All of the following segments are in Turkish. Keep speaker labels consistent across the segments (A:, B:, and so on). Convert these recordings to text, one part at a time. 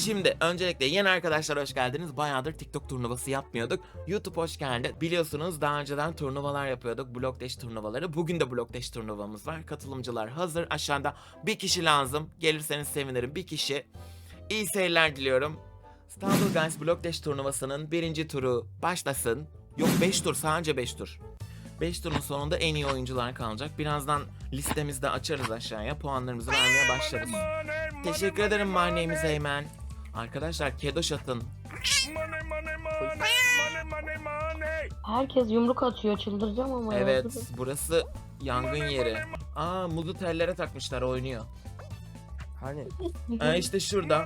A: Şimdi öncelikle yeni arkadaşlar hoş geldiniz. Bayağıdır TikTok turnuvası yapmıyorduk. YouTube hoş geldi. Biliyorsunuz daha önceden turnuvalar yapıyorduk. Block Dash turnuvaları. Bugün de Block Dash turnuvamız var. Katılımcılar hazır. Aşağıda bir kişi lazım. Gelirseniz sevinirim. Bir kişi. İyi seyirler diliyorum. Stumble Guys Block Dash turnuvasının birinci turu başlasın. Yok 5 tur, sadece 5 tur. 5 turun sonunda en iyi oyuncular kalacak. Birazdan listemizde açarız aşağıya. Puanlarımızı vermeye başlarız. Teşekkür ederim My Name is Eymen. Arkadaşlar Kedoş atın.
B: Herkes yumruk atıyor, çıldıracağım ama.
A: Evet, burası yangın yeri. Aa, muzu tellere takmışlar, oynuyor.
C: Hani?
A: İşte şurada.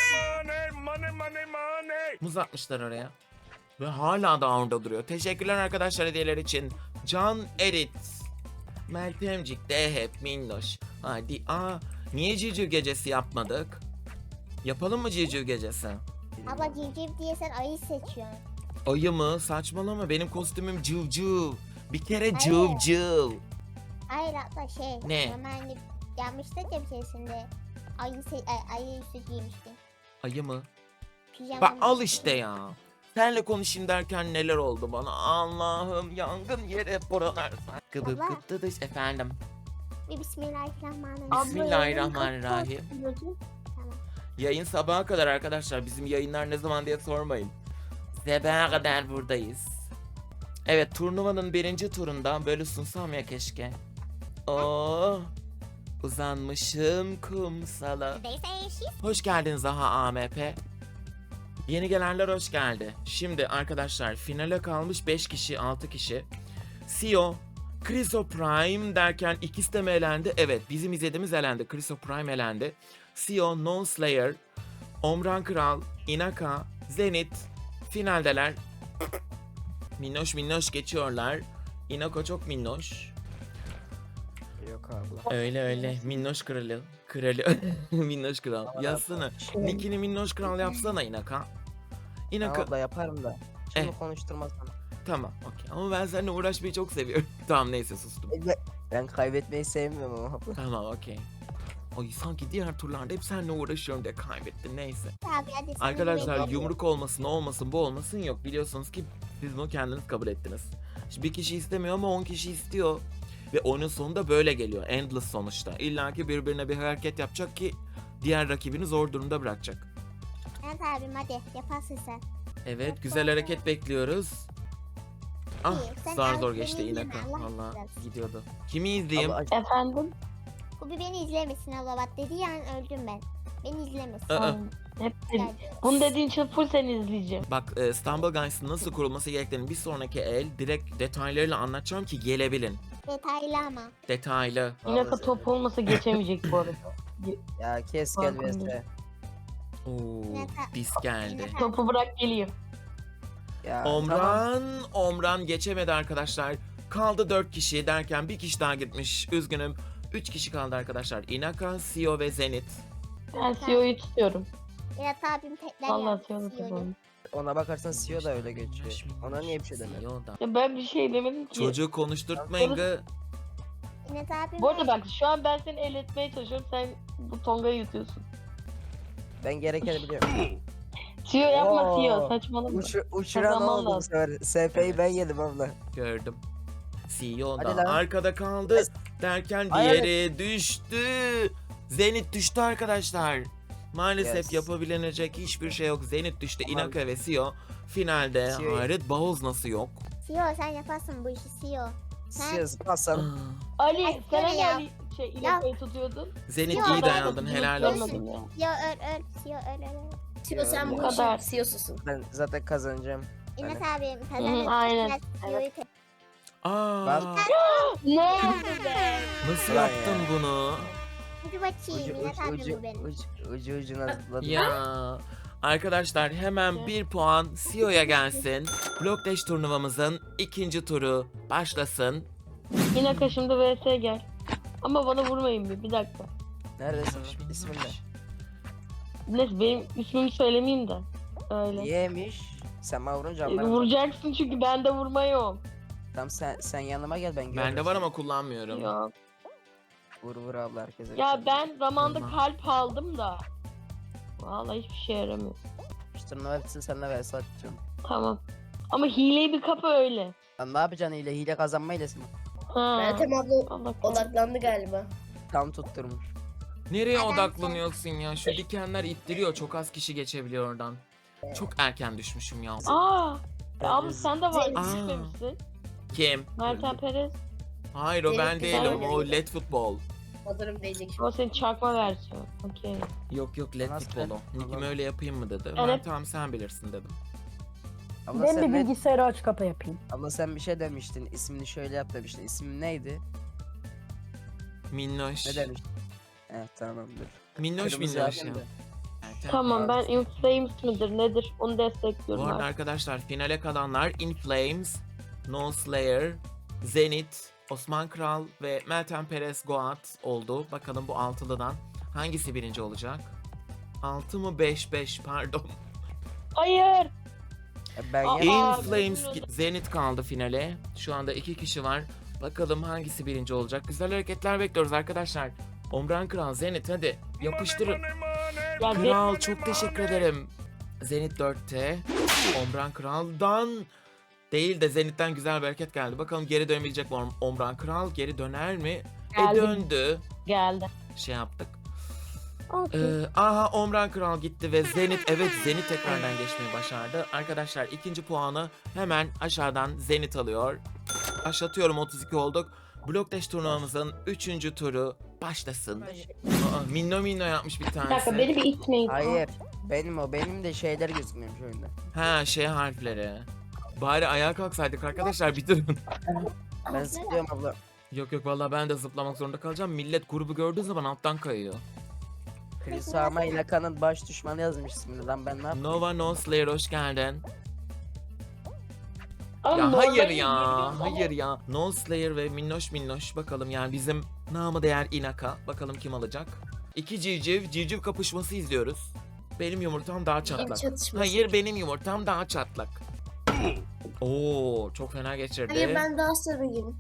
A: Muz atmışlar oraya. Ve hala da orada duruyor. Teşekkürler arkadaşlar hediyeler için. Can Erit. Meltemcik, Dehep, Minnoş. Hadi. Niye civciv gecesi yapmadık? Yapalım mı civciv gecesi?
D: Abla civciv diye sen ayı seçiyorsun.
A: Ayı mı? Saçmalama, benim kostümüm cıvcıv. Bir kere
D: Hayır.
A: cıvcıv.
D: Hayır hatta şey.
A: Ne?
D: Normalde yapmıştık ya bir keresinde. Ayı üstü giymiştin.
A: Ayı mı?
D: Pijama
A: Bak
D: mı?
A: al işte ya. Senle konuşayım derken neler oldu bana. Allah'ım, yangın yeri buralar. Gıbıp
D: Abla.
A: gıptı dış efendim.
D: Bir bismillahirrahmanirrahim.
A: Abla. Bismillahirrahmanirrahim.
D: Tamam.
A: Yayın sabaha kadar arkadaşlar. Bizim yayınlar ne zaman diye sormayın. Sabaha kadar buradayız. Evet, turnuvanın birinci turunda böyle sunsam ya keşke. Oh, uzanmışım kumsala. Hoş geldin Zaha AMP. Yeni gelenler hoş geldi. Şimdi arkadaşlar finale kalmış 5 kişi, 6 kişi. Sio, Criso Prime derken ikisi de mi elendi? Evet, bizim izlediğimiz elendi. Criso Prime elendi. Sio, Non Slayer, Omran Kral, Inaka, Zenith finaldeler. Minnoş minnoş geçiyorlar. Inako çok minnoş.
C: Yok abla.
A: Öyle öyle. Minnoş kralı. Kralı. Minnoş kral. Yazsana. Nickini Minnoş kral yapsana Inaka. Inaka.
C: Abla yaparım da. Şimdi konuşturmazsam.
A: Tamam, okey. Ama ben seninle uğraşmayı çok seviyorum. Tamam, neyse sustum.
C: Ben kaybetmeyi sevmiyorum ama abla.
A: Tamam, okey. Ay sanki diğer turlarda hep seninle uğraşıyorum diye kaybettin, neyse.
D: Abi hadi seni
A: Arkadaşlar
D: bekliyorum.
A: yumruk olmasın, o olmasın, bu olmasın yok. Biliyorsunuz ki siz bunu kendiniz kabul ettiniz. Şimdi bir kişi istemiyor ama 10 kişi istiyor. Ve oyunun sonunda böyle geliyor. Endless sonuçta. İlla ki birbirine bir hareket yapacak ki diğer rakibini zor durumda bırakacak.
D: Evet abim hadi yaparsın sen.
A: Evet, güzel hareket bekliyoruz. Ah,
D: İyi, sen
A: zar
D: al
A: zor
D: beni
A: geçti
D: izleme,
A: Inaka.
D: Allah
A: Valla
D: razı
A: gidiyordu. Kimi izleyeyim?
C: Abla,
B: Efendim?
D: Bu bir beni izlemesin abla bak dediği an öldüm ben. Beni izlemesin.
A: Aa.
B: Hep bunu dediğin için full seni izleyeceğim.
A: Bak, Stumble Guys'ın nasıl kurulması gerektiğini bir sonraki el direkt detaylarıyla anlatacağım ki gelebilin.
D: Detaylı ama.
A: Detaylı.
B: İnaka top olmasa geçemeyecek bu arada.
C: ya kes gel
B: Farkındayım.
C: vs.
A: Oo,
D: Inaka-
A: dis geldi.
D: Inaka-
B: Topu bırak geliyor.
C: Ya tamam.
A: Omran geçemedi arkadaşlar. Kaldı 4 kişi derken bir kişi daha gitmiş. Üzgünüm. 3 kişi kaldı arkadaşlar. Inaka, Sio ve Zenith.
B: Ben CEO'yu tutuyorum.
D: Berat abim tekrar
B: Vallahi
D: yaptı
B: CEO'yu
D: CEO'yu.
B: tutuyorum.
C: Ona bakarsan CEO da öyle geçiyor. Ona niye bir şey demedin?
A: Sio da.
B: Ya ben bir şey demedim ki.
A: Çocuğu konuşturtmayın gı.
D: Berat abim
B: Bu arada bak şu an ben seni eletmeye çalışıyorum. Sen bu tongayı yutuyorsun.
C: Ben gerekeni biliyorum.
B: CEO yapma
C: Oo.
B: CEO saçmalama.
C: Uçuran
B: Kazanman
C: oldu bu
B: lazım.
C: sefer. SP'yi ben yedim abla.
A: Gördüm. Sio
C: Hadi
A: da
C: lan.
A: arkada kaldı. Derken
C: Hayır.
A: diğeri düştü. Zenith düştü arkadaşlar. Maalesef
C: Yes.
A: yapabilecek hiçbir şey yok. Zenith düştü.
C: Tamam.
A: Inaka ve Sio finalde.
C: Sio'yu-
A: Hayret, Bağız nasıl yok?
D: CEO sen yaparsın bu işi CEO. Sen
C: CEO zıplarsan.
B: Ali
D: Ay,
B: sen
D: söyle ya.
B: hani şey İnaka'yı tutuyordun.
A: Zenith
D: Yok,
A: iyi
D: ben
A: dayandın, helal olsun.
B: Görmedim ya.
D: CEO öl CEO öl.
E: Sio sen
B: Bu
E: bu
B: kadar.
E: işin CEO'susun.
C: Ben zaten kazanacağım.
D: Enes
C: Hani-
D: abim
B: Hı,
D: kazanır.
B: aynen.
D: Biraz CEO'yu
A: Aa,
C: Ben-
B: Ne oldu be?
A: nasıl
C: Ulan
A: yaptın
C: ya.
A: bunu?
D: Hadi bakayım Enes abim bu benim.
C: Ucu ucuna zıpladım.
A: Ya arkadaşlar hemen bir puan Sio'ya gelsin. Block Dash turnuvamızın ikinci turu başlasın.
B: İnaka şimdi vs gel. Ama bana vurmayın bir dakika.
C: Neredesin? İsmin ne?
B: Neyse benim ismimi söylemeyeyim de. Öyle.
C: Niyemiş? Sen bana vurunca anlarım.
B: Vuracaksın çünkü bende vurma yok.
C: Tamam sen yanıma gel ben görürüm.
A: Bende var ama kullanmıyorum.
B: Yok.
C: Vur abla herkese.
B: Ya ben zamanda
A: Tamam.
B: kalp aldım da. Vallahi hiçbir şey yaramıyor.
C: İşte turnuva bitsin seninle vs atacağım.
B: Tamam. Ama hileyi bir kapı öyle.
C: Lan ne yapacaksın hile kazanma hilesi mi?
B: Ha.
E: Meltem abla
B: Allah korusun.
E: odaklandı galiba.
C: Tam tutturmuş.
A: Nereye
D: Adam
A: odaklanıyorsun ya? Şu dikenler ittiriyor. Çok az kişi geçebiliyor oradan. Çok erken düşmüşüm ya.
B: Aa. Abi sen de var.
A: Aa.
B: Düşmemişsin.
A: Kim?
B: Meltem Perez.
A: Hayır o ben
E: Senin
A: değilim.
E: güzel
A: O LED futbol.
E: Hazırım diyecek şimdi.
B: Ama senin çakma versiyon. Okey.
A: Yok LED
C: Nasıl
A: futbolu.
C: ben-
A: Nick'imi öyle yapayım mı dedi.
B: Evet.
A: Ben tamam sen bilirsin dedim.
C: Abla
F: Ben
C: sen,
F: bir
C: ne,
F: bilgisayarı aç kapa yapayım.
C: abla sen bir şey demiştin. İsmini şöyle yap demiştin. İsmin neydi?
A: Minnoş.
C: Ne demiştin? Evet tamamdır.
A: Minnoş
C: Kırmızı
A: minnoş ya.
C: hakem de.
B: Tamam ben
C: Abi.
B: In Flames midir nedir onu
A: Bu
B: destekliyorum
A: arada
B: artık.
A: arkadaşlar finale kalanlar In Flames, No Slayer, Zenith, Osman Kral ve Meltem Perez Goat oldu. Bakalım bu altılıdan hangisi birinci olacak? 6 mı 5 pardon.
B: Hayır.
C: Ben
B: Aa,
A: In
C: ya.
A: Flames Zenith kaldı finale. Şu anda 2 kişi var. Bakalım hangisi birinci olacak. Güzel hareketler bekliyoruz arkadaşlar. Omran Kral, Zenith hadi yapıştırın.
B: Ya
A: Kral çok teşekkür ederim. Zenith 4'te. Omran Kral'dan değil de Zenith'ten güzel bir hareket geldi. Bakalım geri dönebilecek mi Omran Kral? Geri döner mi?
B: Geldi.
A: Döndü.
B: geldi.
A: Şey yaptık. Aha Omran Kral gitti ve Zenith Zenith tekrardan geçmeyi başardı. Arkadaşlar ikinci puanı hemen aşağıdan Zenith alıyor. Başlatıyorum 32 olduk. Block Dash turnuvamızın 3. turu başlasın. Aa, minno yapmış bir
B: Bir dakika
A: tanesi.
B: beni bir itmeyin.
C: Hayır. Benim de şeyler gözükmüyormuş oyunda.
A: Ha şey harfleri. Bari ayağa kalksaydık arkadaşlar bitirin.
C: Ben zıplıyorum abla.
A: Yok vallahi ben de zıplamak zorunda kalacağım. Millet grubu gördüğü zaman alttan kayıyor.
C: Chris Arma ile Kan'ın baş düşmanı yazmış ismini lan ben ne yapayım?
A: Nova No Slayer hoş geldin.
B: Ama
A: Ya
B: normal
A: hayır
B: değil,
A: ya,
B: bilmiyorum.
A: hayır ya. No Slayer ve Minnoş bakalım yani bizim namı değer Inaka. Bakalım kim alacak. İki civciv kapışması izliyoruz. Benim yumurtam daha çatlak.
E: çatışması.
A: Hayır benim yumurtam daha çatlak. Oo çok fena geçirdi.
E: Hayır ben daha sarıyım.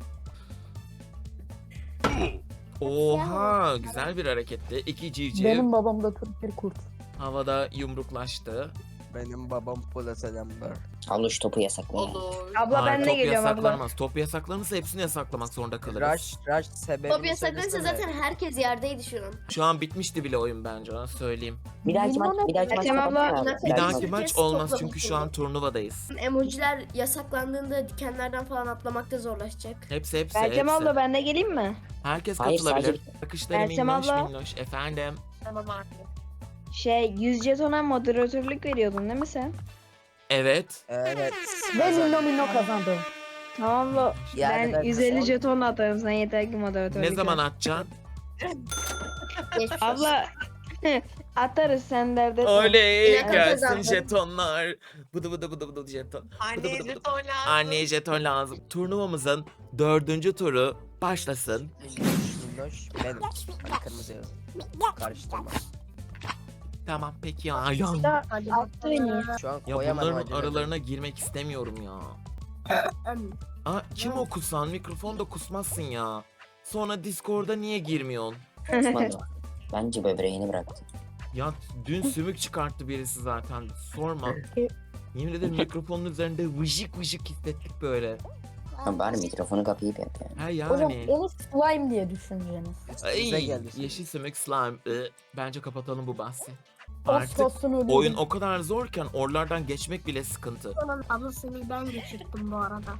A: Oha güzel bir hareketti. İki civciv
F: Benim babam da Türk bir kurt.
A: havada yumruklaştı.
C: Benim babam Pola selamlar.
G: Aluş topu yasaklayın.
E: Olur.
F: Abla
A: Hayır,
F: ben de
A: top
F: geliyorum abla.
A: yasaklanmaz. Top yasaklanırsa hepsini yasaklamak zorunda kalırız.
C: Rush sebebini
E: Top yasaklanırsa
C: söylesene.
E: zaten herkes yerdeydi şu an.
A: Şu an bitmişti bile oyun bence ona söyleyeyim.
G: Bir dahaki maç, bir dahaki maç
E: Tamam abla,
G: kapatsana abi.
E: bir
A: Bir
E: dahaki
A: dahaki
E: maç
A: maç
E: herkes
A: olmaz
E: topla
A: çünkü şu
E: bitirdi.
A: an turnuvadayız.
E: Emojiler yasaklandığında dikenlerden falan atlamakta zorlaşacak.
A: Hepsi.
F: Meltem abla ben de geleyim mi?
A: Herkes
G: Hayır,
A: katılabilir.
G: sadece-
A: Bakışları
F: Meltem
A: minnoş
F: abla.
A: minnoş. Efendim.
E: Tamam abi.
F: 100 jetona moderatörlük veriyordun değil mi sen?
A: Evet.
C: Evet.
F: Ve minno kazandı.
B: Tamam abla
C: Yani
B: ben
C: ben
B: 150
C: mesela-
B: jeton atarım sen yeter ki moderatörlük
A: Ne zaman
B: yap.
A: atacaksın?
E: Geçmiş olsun.
B: Abla atarız sen dert etme.
A: Oley
E: İnaka
A: gelsin
E: kazandı.
A: jetonlar. Bıdı jeton.
H: Anneye
A: bıdı.
H: jeton lazım.
A: Anneye jeton lazım. Turnuvamızın 4. turu başlasın.
C: Minnoş benim. Hani kırmızı yazın. Karıştırma.
A: Tamam peki ya. Ya,
B: Attı beni.
C: Şu an
A: ya
C: koyamadım
A: bunların
C: acele
A: aralarına girmek istemiyorum ya. Aa, kim o kusan? Mikrofonda kusmazsın ya. Sonra Discord'a niye girmiyorsun?
G: Osman bence böbreğini bıraktı.
A: Ya dün sümük çıkarttı birisi zaten. Sorma. Yemin ederim mikrofonun üzerinde vıcık hissettik böyle.
G: Ha, bari mikrofonu kapayıp yap yani.
A: Ha
F: Hocam
A: yani.
F: onu slime diye düşüneceğiniz.
C: Bize
A: Ay,
C: geldi.
A: yeşil sümük slime. Bence kapatalım bu bahsi.
F: Az
A: Artık
F: kalsın ölüyordum.
A: oyun o kadar zorken oralardan geçmek bile sıkıntı.
D: Ablasını ben geçirdim bu arada.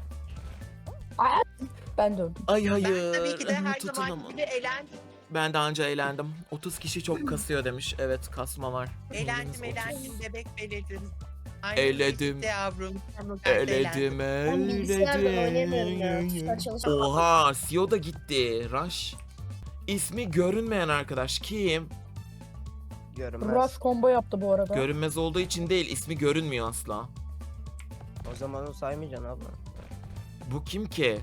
F: Ben de öldüm.
A: Ay
H: Ben
A: hayır.
H: tabii ki de her
A: Tutun
H: zaman
A: ama.
H: gibi eğlendim.
A: Ben de anca eğlendim. 30 kişi çok kasıyor demiş. Evet kasma var.
H: Eğlendim bebek belirdim. Aynı
A: Eledim.
H: işte yavrum.
A: Eledim
E: Ben bilgisayardan oynayamıyorum ya.
A: eledim.
E: Tuşlar çalışmıyor.
A: Oha CEO da gitti. Rush. İsmi görünmeyen arkadaş kim?
C: Görünmez.
F: Rush combo yaptı bu arada.
A: Görünmez olduğu için değil, ismi görünmüyor asla.
C: O zaman onu saymayacaksın abla.
A: Bu kim ki?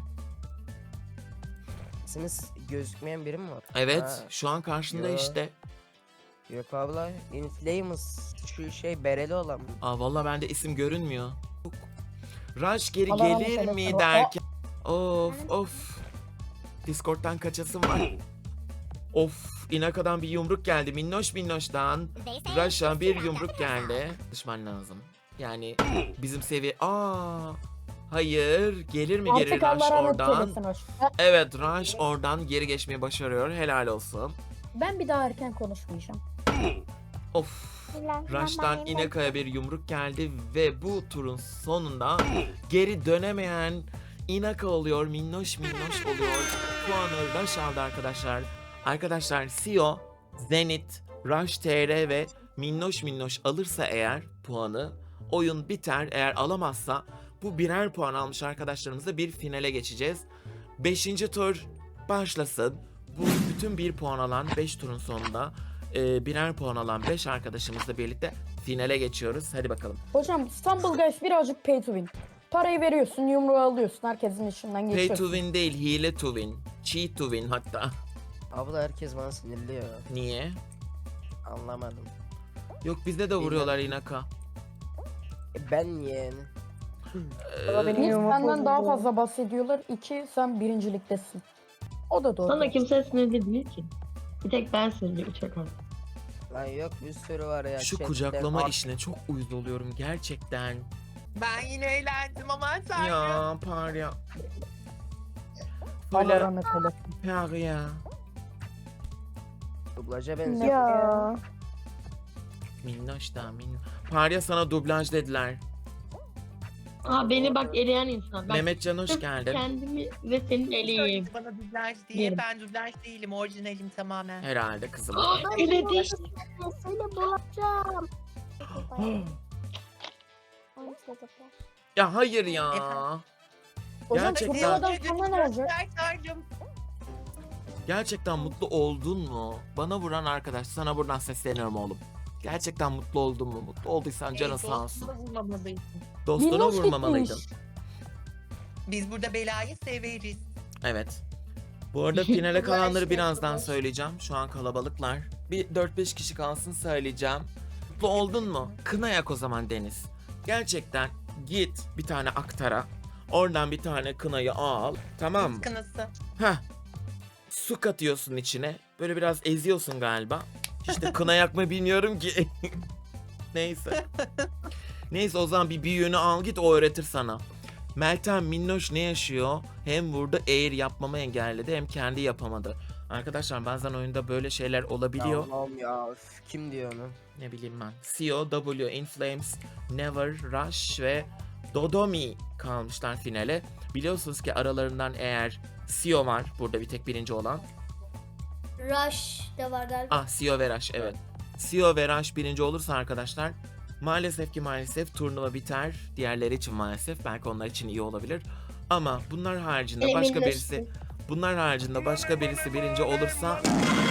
C: Siziniz gözükmeyen biri mi var?
A: Evet,
C: Ha,
A: şu an karşında
C: Yo.
A: işte.
C: Yok abla. Inflames şu şey bereli olan mı?
A: Aa vallahi bende isim görünmüyor. Rush geri
F: Allah rahmet
A: gelir
F: eylesin.
A: mi derken. Of. Discord'dan kaçasım var. Of, Inaka'dan bir yumruk geldi. Minnoş'tan. Rush'a bir yumruk geldi. Düşman lazım. Yani bizim seviye... Hayır. Gelir mi geri Rush oradan? Evet, Rush oradan geri geçmeyi başarıyor. Helal olsun.
I: Ben bir daha erken konuşmayacağım.
A: Of. Rush'tan Inaka'ya bir yumruk geldi ve bu turun sonunda geri dönemeyen Inaka oluyor. Minnoş oluyor. Puanı Rush aldı arkadaşlar. Arkadaşlar Sio, Zenith, Rush TR ve Minnoş alırsa eğer puanı oyun biter. Eğer alamazsa bu birer puan almış arkadaşlarımızla bir finale geçeceğiz. 5. tur başlasın. Bu bütün bir puan alan 5 turun sonunda birer puan alan 5 arkadaşımızla birlikte finale geçiyoruz. Hadi bakalım.
I: Hocam Stumble Guys birazcık pay to win. Parayı veriyorsun, yumruğu alıyorsun, herkesin içinden
A: Pay
I: geçiyorsun.
A: to win değil, hile to win. Cheat to win hatta.
C: Abla herkes bana sinirliyor.
A: Niye?
C: Anlamadım.
A: Yok bizde de vuruyorlar Inaka.
C: Ben niye yani?
I: Bir,
F: Yumruk
I: senden daha
F: bozuldu.
I: fazla bahsediyorlar. 2, sen birinciliktesin. O da doğru.
B: Sana kimse sinirli değil ki. Bir tek ben sinirliyim çakal.
C: Lan yok bir sürü var ya.
A: Şu
C: chatte.
A: kucaklama işine çok uyuz oluyorum gerçekten.
H: Ben yine eğlendim ama sen
A: Ya Parya.
I: Allah
A: Böyle
I: rahmet eylesin.
A: Parya.
C: Dublaja benziyor.
F: Ya.
A: Minnoş da minnoş. Parya sana dublaj dediler.
B: Beni bak eleyen insan. Bak,
A: Mehmetcan hoş
B: sırf
A: geldin.
B: kendimi ve senin eleyeyim.
H: söyledi bana dublaj diye.
B: Yerim.
H: Ben dublaj değilim. Orijinalim tamamen.
A: Herhalde kızım.
B: Eledi.
D: Söyle bulacağım.
A: Ya hayır ya.
H: Efendim?
I: Hocam
A: Gerçekten.
I: turnuvadan sonra ne olacak?
A: Gerçekten mutlu oldun mu? Bana vuran arkadaş sana buradan sesleniyorum oğlum. Gerçekten mutlu oldun mu? Mutlu olduysan canın sağ olsun. Dostuna
I: Minnoş
A: vurmamalıydın.
I: gitmiş.
H: Biz burada belayı severiz.
A: Evet. Bu arada finale kalanları birazdan söyleyeceğim. Şu an kalabalıklar. Bir 4-5 kişi kalsın söyleyeceğim. Mutlu oldun mu? Kına yak o zaman Deniz. Gerçekten git bir tane aktara. Oradan bir tane kınayı al. Tamam mı?
H: Kınası.
A: Heh. Su katıyorsun içine. Böyle biraz eziyorsun galiba. İşte kına yakma bilmiyorum ki. Neyse. Neyse o zaman bir büyüğünü al git o öğretir sana. Meltem Minnoş ne yaşıyor? Hem vurdu air yapmamı engelledi hem kendi yapamadı. Arkadaşlar bazen oyunda böyle şeyler olabiliyor.
C: Allah'ım ya. Üf, kim diyor onu?
A: Ne bileyim ben. CO, W, Inflames, Never, Rush ve Dodomi kalmışlar finale. Biliyorsunuz ki aralarından eğer CO var burada bir tek birinci olan.
E: Rush da var galiba.
A: CO ve Rush evet. CO ve Rush birinci olursa arkadaşlar maalesef turnuva biter. Diğerleri için maalesef belki onlar için iyi olabilir. Ama bunlar haricinde başka birisi birinci olursa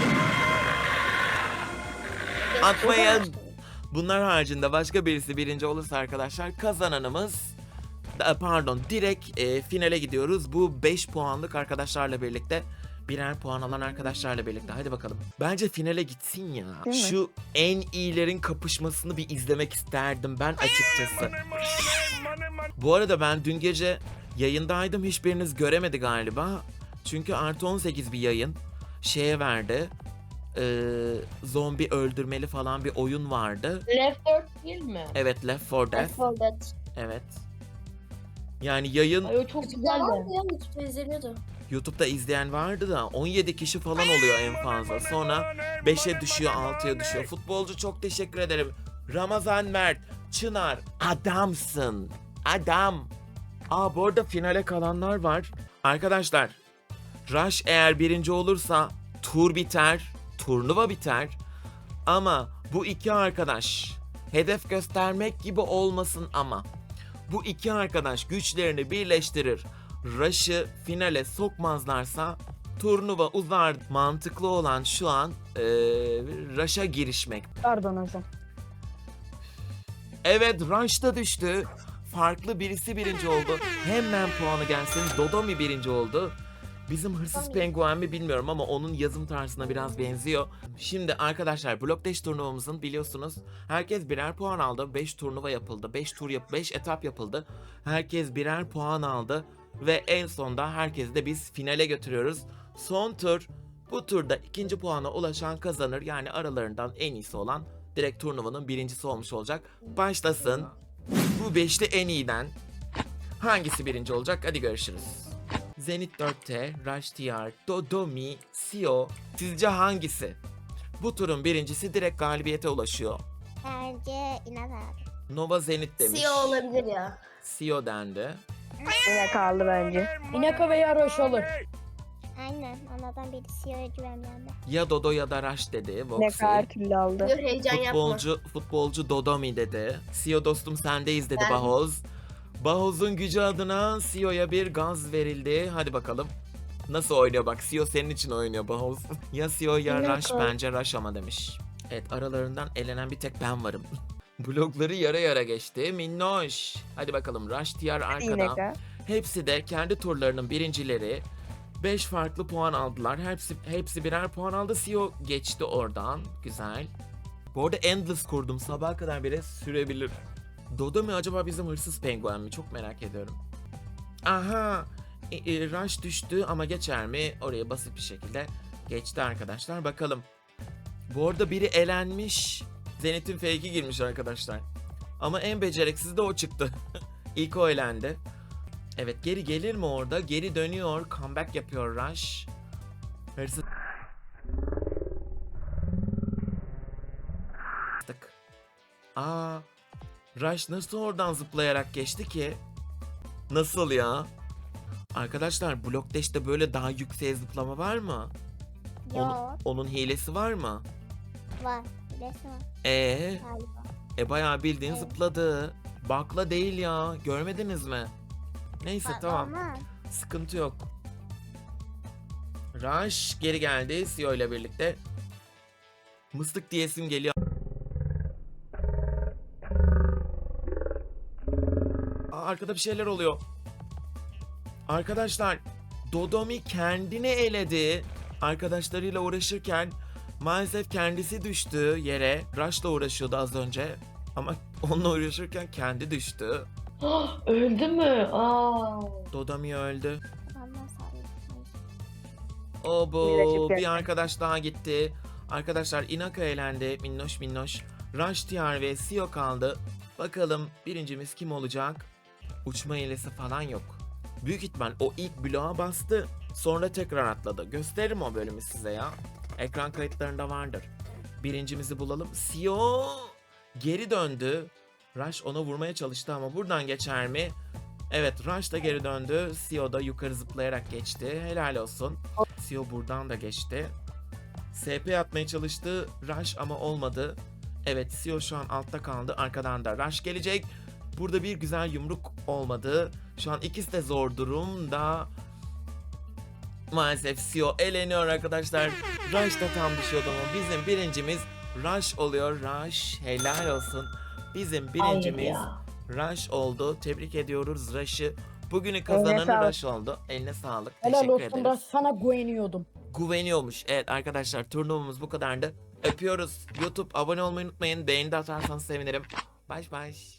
A: atmayın. Bunlar haricinde başka birisi birinci olursa arkadaşlar kazananımız direkt finale gidiyoruz. Bu 5 puanlık arkadaşlarla birlikte birer puan alan arkadaşlarla birlikte. Hadi bakalım. Bence finale gitsin ya.
F: Değil mi?
A: Şu en iyilerin kapışmasını bir izlemek isterdim ben açıkçası. Bu arada ben dün gece yayındaydım. Hiçbiriniz göremedi galiba. Çünkü artı 18 bir yayın. Şeye verdi. Zombi öldürmeli falan bir oyun vardı.
B: Left 4 değil mi?
A: Evet, Left 4 Dead. Evet. Yani yayın
B: Ay o çok güzeldi.
E: Ya YouTube'da izleniyordu.
A: YouTube'da izleyen vardı da 17 kişi falan oluyor en fazla. Sonra 5'e düşüyor, 6'ya düşüyor. Futbolcu çok teşekkür ederim. Ramazan Mert, Çınar, adamsın. Adam. Bu arada finale kalanlar var. Arkadaşlar, Rush eğer birinci olursa tur biter, turnuva biter. Ama bu iki arkadaş hedef göstermek gibi olmasın ama bu iki arkadaş güçlerini birleştirir. Rush'ı finale sokmazlarsa turnuva uzar. Mantıklı olan şu an Rush'a girişmek.
I: Pardon hocam.
A: Evet Rush da düştü. Farklı birisi birinci oldu. Hemen puanı gelsin. Dodomi birinci oldu. Bizim hırsız penguen mi bilmiyorum ama onun yazım tarzına biraz benziyor. Şimdi arkadaşlar Block Dash turnuvamızın biliyorsunuz herkes birer puan aldı. 5 turnuva yapıldı. 5 etap yapıldı. Herkes birer puan aldı. Ve en sonda herkesi de biz finale götürüyoruz. Son tur Bu turda ikinci puana ulaşan kazanır. Yani aralarından en iyisi olan direkt turnuvanın birincisi olmuş olacak. Başlasın. Bu beşli en iyiden hangisi birinci olacak? Hadi görüşürüz. Zenit 4T, Rush TR, Dodomi, Sio. Sizce hangisi? Bu turun birincisi direkt galibiyete ulaşıyor.
D: Bence İnat abi.
A: Nova Zenit demiş.
E: CEO olabilir ya.
A: Sio dendi.
F: Yine kaldı bence.
I: Inaka veya Roş olur.
D: Aynen. Onlardan biri CEO'ya güvenmeyen ben.
A: Ya Dodo ya da Rush dedi.
F: Ne
A: Voxy.
F: kadar türlü aldı.
E: Dur heyecan yapma.
A: Futbolcu Dodomi dedi. Sio dostum sendeyiz dedi
E: Ben-
A: Bahoz. Bahoz'un gücü adına Sio'ya bir gaz verildi. Hadi bakalım. Nasıl oynuyor bak. Sio senin için oynuyor Bahoz. Ya Sio ya
F: Ne
A: Rush,
F: kadar-
A: bence Rush ama demiş. Evet, aralarından elenen bir tek ben varım. Blokları yara yara geçti. Minnoş. Hadi bakalım, Rush TR
F: Yine
A: arkada.
F: kadar.
A: Hepsi de kendi turlarının birincileri. 5 farklı puan aldılar. Hepsi birer puan aldı. Sio geçti oradan. Güzel. Bu arada Endless kurdum. Sabaha kadar bile sürebilir. Dodo mu acaba bizim hırsız penguen mi? Çok merak ediyorum. Aha. Rush düştü ama geçer mi? Oraya basit bir şekilde geçti arkadaşlar. Bakalım. Bu arada biri elenmiş. Zenith'in fake'i girmiş arkadaşlar. Ama en beceriksiz de o çıktı. İlk o elendi. Evet, geri gelir mi orada? Geri dönüyor. Comeback yapıyor Rush. Hırsız. Aa, Rush nasıl oradan zıplayarak geçti ki? Nasıl ya? Arkadaşlar, Block Dash'te böyle daha yükseğe zıplama var mı?
D: Yok.
A: Onun hilesi var mı?
D: Var. Resim var galiba.
A: Bayağı bildiğin
D: Evet.
A: zıpladı. Bakla değil ya. Görmediniz mi? Neyse,
D: Bak,
A: tamam.
D: olmaz.
A: Sıkıntı yok. Rush geri geldi Sio ile birlikte. Mıstık diyesim geliyor. Arkada bir şeyler oluyor. Arkadaşlar, Dodomi kendini eledi. Arkadaşlarıyla uğraşırken maalesef kendisi düştü yere. Rush'la uğraşıyordu az önce. Ama onunla uğraşırken kendi düştü.
B: Öldü mü? Aa.
A: Dodomi öldü.
D: Babamdan sağlıyorum.
A: Obo,
F: Miracık
A: bir
F: geldi.
A: arkadaş daha gitti. Arkadaşlar, Inaka elendi. Minnoş minnoş. Rush TR ve Sio kaldı. Bakalım birincimiz kim olacak? Uçma hilesi falan yok. Büyük ihtimal o ilk bloğa bastı. Sonra tekrar atladı. Gösteririm o bölümü size ya. Ekran kayıtlarında vardır. Birincimizi bulalım. Sio geri döndü. Rush ona vurmaya çalıştı ama buradan geçer mi? Evet, Rush da geri döndü. Sio da yukarı zıplayarak geçti. Helal olsun. Sio buradan da geçti. SP atmaya çalıştı Rush ama olmadı. Evet, Sio şu an altta kaldı. Arkadan da Rush gelecek. Burada bir güzel yumruk olmadı. Şu an ikisi de zor durumda. Maalesef Sio eleniyor arkadaşlar. Rush da tam düşüyordu ama bizim birincimiz Rush oluyor. Rush, helal olsun. Bizim birincimiz
B: ya.
A: Rush oldu. Tebrik ediyoruz Rush'ı. Bugünün
F: Eline
A: kazananı
F: sağlık.
A: Rush oldu. Eline sağlık.
I: Helal
A: Teşekkür
I: olsun
A: ederiz.
I: Roş, sana güveniyordum.
A: Güveniyormuş. Evet arkadaşlar, turnuvamız bu kadardı. Öpüyoruz. YouTube abone olmayı unutmayın. Beğeni de atarsanız sevinirim. Baş baş.